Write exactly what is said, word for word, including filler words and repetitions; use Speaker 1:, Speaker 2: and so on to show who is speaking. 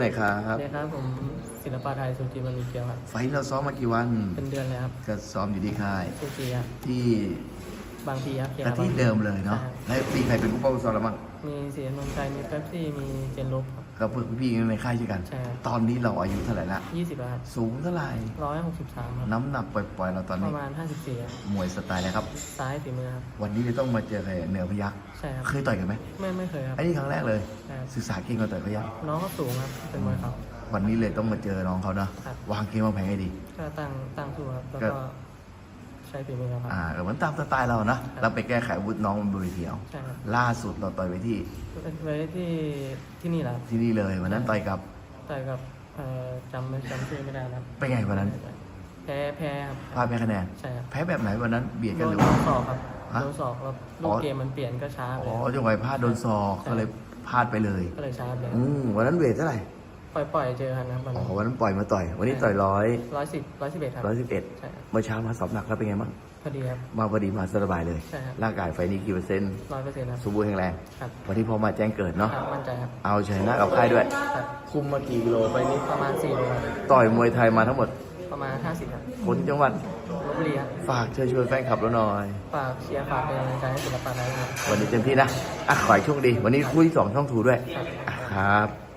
Speaker 1: ไหนครับ
Speaker 2: สวัสดีครับผมศิลปะไทยสุจิมันมีเกียวครับ
Speaker 1: ไฟท์เราซ้อมมากี่วัน
Speaker 2: เป็นเดือนเลยครับ
Speaker 1: ก็ซ้อมอยู่ที่ค่าย
Speaker 2: สุจิครับ
Speaker 1: ที่
Speaker 2: บางพีครับเกีย
Speaker 1: ก็
Speaker 2: ร์
Speaker 1: ที่เดิมเลยเนาะแล้วมีใครเป็นผู้ป้องกันซ้อมเราบ้าง
Speaker 2: มีเสียนนท์ชัยมีเป๊ปซี่มีเจนลบครับ
Speaker 1: ก็เพื่อนพี่ในค่ายช่วยกัน
Speaker 2: ใช่ครับ
Speaker 1: ตอนนี้เราอายุเท่าไหร่ละ
Speaker 2: ยี่สิบครับ
Speaker 1: สูงเท่าไหร่
Speaker 2: ร้อยหกสิบสามครับ
Speaker 1: น้ำหนักปล่อยๆเราตอน
Speaker 2: ป
Speaker 1: นี้
Speaker 2: ระมาณห้าสิบสี่ครับ
Speaker 1: มวยสไตล์อะไรครับ
Speaker 2: ซ้ายฝีมือครับ
Speaker 1: วันนี้จะต้องมาเจอใครเหนือพยัคฆ์
Speaker 2: ใช่ครับ
Speaker 1: เคยต่อยกันไหม
Speaker 2: ไม่ไม่เคยครับ
Speaker 1: ไอ้นี่ครั้งแรกเลย
Speaker 2: ใช่ครับ
Speaker 1: ศึกษาเก่งกว่าต่อยพยัคฆ์
Speaker 2: น้องก็สูงครับเป็นมวยเขา
Speaker 1: วันนี้เลยต้องมาเจอน้องเขาเนาะวางเกมวางแผนให้ดี
Speaker 2: ก็ตั้งตั้งสู้ครับแล้วก็ใช้ฝีมือครับ
Speaker 1: อ่าเหมือนตามสไตล์เราเนาะแล้วไปแก้ไขอาวุธน้องบนเวทีเอา
Speaker 2: ใช่ครับ
Speaker 1: ล่าสุดเราต่อยไปที่
Speaker 2: ไว้ที่ที่นี่แหละ
Speaker 1: ที่นี่เลยวันนั้นต่อยกับ
Speaker 2: ต่อยกับเอ่อจำไม่จำชื่อไม่ได้ครับ
Speaker 1: เป็นไงวันนั้น
Speaker 2: แพ้แพ้ครับ
Speaker 1: พลาดแพ้คะแนน
Speaker 2: ใช่ครับ
Speaker 1: แพ้แบบไหนวันนั้นเบียดกันหรือ
Speaker 2: โด
Speaker 1: ว่าน
Speaker 2: ศอกครับโดนศอกแล้วลูกเกมมันเปลี่ยนก็ช้าไป
Speaker 1: อ๋อจังหวะพลาดโดนศอกก็เลยพลาดไปเลย
Speaker 2: ก็เลยช้าไป
Speaker 1: อืมวันนั้นเวทเท่าไหร่
Speaker 2: ปล่อยปล่อยเจอกันนะครับ
Speaker 1: อ๋อวันนั้นปล่อยมาต่อยวันนี้ต่อยร้อย
Speaker 2: ร้อยสิบร้อยสิบเอ็ดครับ
Speaker 1: ร้อยสิบเอ็ด
Speaker 2: ใช่ครับ
Speaker 1: เมื่อเช้ามาสอบหนักแล้วเป็นไงบ้าง
Speaker 2: พอดีครับ
Speaker 1: มาพอดีมาสบายเลย
Speaker 2: ใช่ครับ
Speaker 1: ร่างกายไฟนี้กี่เปอร์เซ็นต์
Speaker 2: ร้อยเปอร์เซ็นต์ครับ
Speaker 1: สมบูรณ์แข็งแรง
Speaker 2: ครับ
Speaker 1: วันนี้พอมาแจ้งเกิดเนาะ
Speaker 2: มั่นใจครับ
Speaker 1: เอาชนะกับค่ายด้วย
Speaker 2: ครับ
Speaker 1: คุมมากี่กิโลไปนี้
Speaker 2: ประมาณสี่โลครับ
Speaker 1: ต่อยมวยไทยมาทั้งหมด
Speaker 2: ประมาณห้าสิบครับ
Speaker 1: คนจังหวัด
Speaker 2: ลพบุรีครับ
Speaker 1: ฝากเชิญชวนแฟนคลับเราหน่อย
Speaker 2: ฝากเชียร์ฝากเป็นกำลังใจให้ศิลปะไทยครับ
Speaker 1: วันนี้เต็มที่นะอ่ะขอให้โชคดีวันนี้คู่ที่สองช่องถูด้วยครับ